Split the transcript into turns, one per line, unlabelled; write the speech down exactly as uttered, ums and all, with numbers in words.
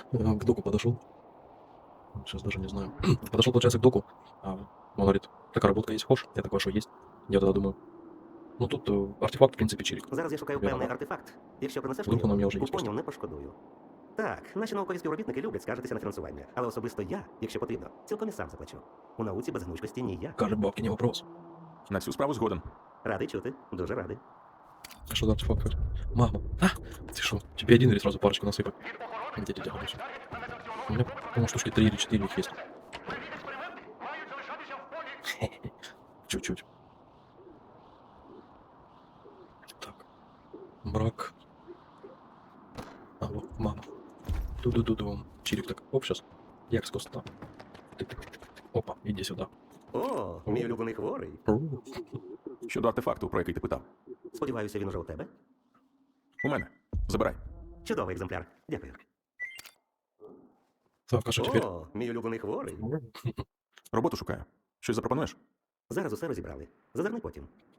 Э, К доку подошел. Сейчас даже не знаю. Подошел, получается, к доку. А, он говорит, такая работка есть, хочешь? Я такой, а что есть? Я тогда думаю, ну тут э, артефакт, в принципі, чирик.
Зараз я шукаю певний артефакт. Якщо принесеш мені
Вдруг он у
його,
меня уже
у
есть
понів
просто.
не пошкодую. Так, наші наукові співробітники люблять скаржитися на фінансування, але особисто я, якщо потрібно, цілком і сам заплачу. У науці без гнучкості ніяк.
Каже, бабки, не вопрос.
На цю справу згоден.
Радий чути, дуже радий.
А что за артефакт? хоть? Мама. А, ты что? Тебе один или сразу парочку насыпать? Где дядя Гаluся? У меня, по-моему, штучки три или четыре их есть. Чуть-чуть. Так. Брак. Алло, мама. Ду-ду-ду-ду. Чирик так. Оп, сейчас. Як скос там. Опа, иди сюда.
О, мій улюблений хворий.
Ру.
Щодо артефакту, про який ти питав.
Сподіваюся, він уже у тебе.
У мене. Забирай.
Чудовий екземпляр. Дякую.
Так, а что теперь?
О, мій улюблений хворий.
Роботу шукаю. Щось запропонуєш?
Зараз усе розібрали. Зазирни потім.